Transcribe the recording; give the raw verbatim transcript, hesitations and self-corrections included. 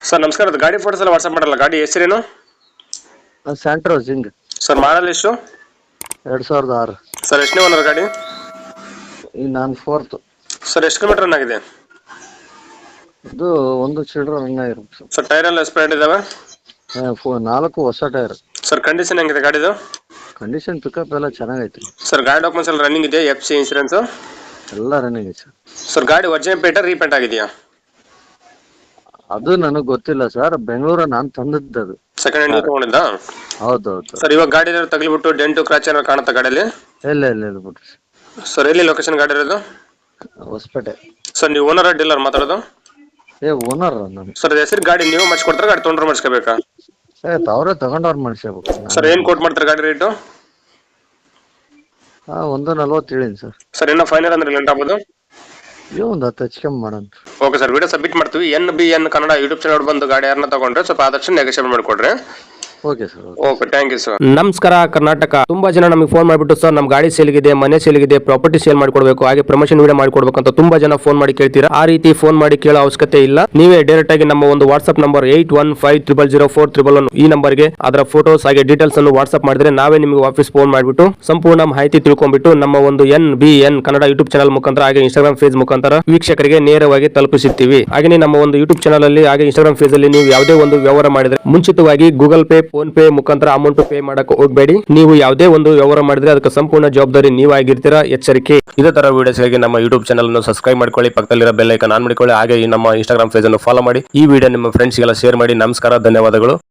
Sir ನಮಸ್ಕಾರ, ಅದು ಗಾಡಿ ಫೋಟೋಸ್ ಎಲ್ಲ ವಾಟ್ಸಪ್ ಮಾಡಲ್ಲ. ಗಾಡಿ ಹೆಸರೇನು ಸ್ಯಾಂಟ್ರೋ ಜಿಂಗ್ ಸರ್? ಮಾಡಲ್ ಎಷ್ಟು ಎರಡ್ ಸಾವಿರದ ಆರು. ಸರ್? ಎಷ್ಟನೇ ಓನರ್ ಗಾಡಿ ಈಗ ನಾನು ಫೋರ್ತ್. ಸರ್? ಎಷ್ಟು ಕಿಲೋಮೀಟರ್ ರನ್ ಆಗಿದೆ? ಇದು ಒಂದು ಚಿಲ್ಡ್ರ ರನ್ ಆಗಿರುತ್ತೆ ಸರ್ ಟೈರ್ ಎಲ್ಲ ಸ್ಪೇಡ್ ಇದಾವೆ? ಸರ್. ನಾಲ್ಕು ಹೊಸ ಟೈರ್. ಸರ್ ಕಂಡೀಷನ್ ಹೆಂಗಿದೆ ಗಾಡಿದು? ಕಂಡೀಷನ್ ಪಿಕಪ್ ಎಲ್ಲ ಚೆನ್ನಾಗೈತಿ ಸರ್ ಗಾಡಿ ಡಾಕ್ಯುಮೆಂಟ್ಸ್ ಎಲ್ಲ ರನ್ನಿಂಗ್ ಇದೆ? ಎಫ್ ಸಿ ಇನ್ಸೂರೆನ್ಸ್ ಎಲ್ಲ ರನ್ನಿಂಗ್ ಐತಿ ಸರ್. ಸರ್ ಗಾಡಿ ಒರಿಜಿನಲ್ ಪೇಟ ರೀಪೇಂಟ್ ಆಗಿದೆಯಾ? ಅದು ನನಗೆ ಗೊತ್ತಿಲ್ಲ ಸರ್, ಬೆಂಗಳೂರ ನಾನು ತಂದದ್ದು ಅದು. ಸೆಕೆಂಡ್ ಹ್ಯಾಂಡ್ ತಗೊಂಡಿದ್ದ? ಹೌದೌದು ಸರ್ ಇವಾಗ ಗಾಡಿ ತಗಲಿಬಿಟ್ಟು ಡೆಂಟು ಕ್ರಾಚ್ ಏನಾದ್ರು ಕಾಣುತ್ತಾ ಗಾಡಿಯಲ್ಲಿ? ಇಲ್ಲ ಇಲ್ಲ ಇಲ್ಲ ಬಿಡ್ರಿ. ಸರ್ ಎಲ್ಲಿ ಲೊಕೇಶನ್ ಗಾಡಿ ಇರೋದು? ಹೊಸಪೇಟೆ. ಸರ್ ನೀವು ಓನರ್ ಡೀಲರ್ ಮಾತಾಡೋದು? ಏ ಓನರ್ ನಾನು. ಸರ್ ಹೆಸರು ಗಾಡಿ ನೀವು ಮಾಡಿಸ್ಕೊಡ್ತಾರೆ, ಗಾಡಿ ತೊಗೊಂಡ್ರೆ ಮಾಡಿಸ್ಕೋಬೇಕಾ? ಏ ಅವರೇ ತಗೊಂಡವ್ರು ಮಾಡಿಸ್ಬೇಕು. ಸರ್ ಏನು ಕೋಟ್ ಮಾಡ್ತಾರೆ ಗಾಡಿ ರೇಟು? ಹಾ ಒಂದು ನಲ್ವತ್ತು ಹೇಳಿನಿ ಸರ್. ಸರ್ ಇನ್ನೂ ಫೈನಲ್ ಅಂದ್ರೆ ಲೆಂಟ್ ಆಗ್ಬೋದು? ಇವ್ ಒಂದು ಹತ್ತು ಹೆಚ್ಚಿಗೆ ಮಾಡೋಣ. ಓಕೆ ಸರ್, ವಿಡಿಯೋ ಸಬ್ಮಿಟ್ ಮಾಡ್ತೀವಿ. N B N Kannada YouTube channel ಬಂದು ಗಾಡಿ ಯಾರನ್ನ ತಗೊಂಡ್ರೆ ಸ್ವಲ್ಪ ಆದಷ್ಟು ನೆಗೋಷಿಯೇಟ್ ಮಾಡಿಕೊಡ್ರಿ. Okay sir. Okay, thank you sir. ನಮಸ್ಕಾರ ಕರ್ನಾಟಕ. ತುಂಬಾ ಜನ ನಮಗೆ ಫೋನ್ ಮಾಡಿಬಿಟ್ಟು ಸರ್ ನಮ್ಮ ಗಾಡಿ ಸೇಲ್ಗಿದೆ, ಮನೆ ಸೇಲ್ಗಿದೆ, ಪ್ರಾಪರ್ಟಿ ಸೇಲ್ ಮಾಡ್ಕೊಡ್ಬೇಕು, ಹಾಗೆ ಪ್ರಮೋಷನ್ ವಿಡಿಯೋ ಮಾಡ್ಕೊಡ್ಬೇಕು ಅಂತ ತುಂಬಾ ಜನ ಫೋನ್ ಮಾಡಿ ಕೇಳ್ತೀರಾ. ಆ ರೀತಿ ಫೋನ್ ಮಾಡಿ ಕೇಳೋ ಅವಶ್ಯಕತೆ ಇಲ್ಲ. ನೀವೇ ಡೈರೆಕ್ಟ್ ಆಗಿ ನಮ್ಮ ಒಂದು WhatsApp number eight one five triple zero four triple one ಈ ನಂಬರ್ಗೆ ಅದರ ಫೋಟೋಸ್ ಹಾಗೆ ಡೀಟೇಲ್ಸ್ ಅನ್ನು ವಾಟ್ಸ್ಆಪ್ ಮಾಡಿದ್ರೆ ನಾವೇ ನಿಮಗೆ ವಾಪಸ್ ಫೋನ್ ಮಾಡಿಬಿಟ್ಟು ಸಂಪೂರ್ಣ ಮಾಹಿತಿ ತಿಳ್ಕೊಂಡ್ಬಿಟ್ಟು ನಮ್ಮ ಒಂದು N B N Kannada YouTube channel ಮುಖಾಂತರ ಹಾಗೆ ಇನ್ಸ್ಟಾಗ್ರಾಮ್ ಫೇಸ್ ಮುಖಾಂತರ ವೀಕ್ಷಕರಿಗೆ ನೇರವಾಗಿ ತಲುಪಿಸುತ್ತೀವಿ. ಹಾಗೆ ನಮ್ಮ ಒಂದು ಯೂಟ್ಯೂಬ್ ಚಾನಲ್ ಅಲ್ಲಿ ಹಾಗೆ ಇನ್ಸ್ಟಾಗ್ರಾಮ್ ಫೇಸ್ ಅಲ್ಲಿ ನೀವು ಯಾವುದೇ ಒಂದು ವ್ಯವಹಾರ ಮಾಡಿದ್ರೆ ಮುಂಚಿತವಾಗಿ ಗೂಗಲ್ ಪೇ, ಫೋನ್ ಪೇ ಮುಖಾಂತರ ಅಮೌಂಟ್ ಪೇ ಮಾಡಕ್ಕೆ ಹೋಗಬೇಡಿ. ನೀವು ಯಾವುದೇ ಒಂದು ವ್ಯವಹಾರ ಮಾಡಿದ್ರೆ ಅದಕ್ಕೆ ಸಂಪೂರ್ಣ ಜವಾಬ್ದಾರಿ ನೀವಾಗಿರ್ತೀರಾ, ಎಚ್ಚರಿಕೆ. ಇದೇ ತರ ವಿಡಿಯೋಸ್ಗಾಗಿ ನಮ್ಮ ಯೂಟ್ಯೂಬ್ ಚಾನಲ್ ಅನ್ನು ಸಬ್ಸ್ಕ್ರೈಬ್ ಮಾಡ್ಕೊಳ್ಳಿ, ಪಕ್ಕದಲ್ಲಿರೋ ಬೆಲ್ ಐಕಾನ್ ಆನ್ ಮಾಡಿಕೊಳ್ಳಿ, ಹಾಗೆ ನಮ್ಮ ಇನ್ಸ್ಟಾಗ್ರಾಮ್ ಪೇಜ್ ಅನ್ನು ಫಾಲೋ ಮಾಡಿ. ಈ ವಿಡಿಯೋ ನಿಮ್ಮ ಫ್ರೆಂಡ್ಸ್ಗೆಲ್ಲ ಶೇರ್ ಮಾಡಿ. ನಮಸ್ಕಾರ, ಧನ್ಯವಾದಗಳು.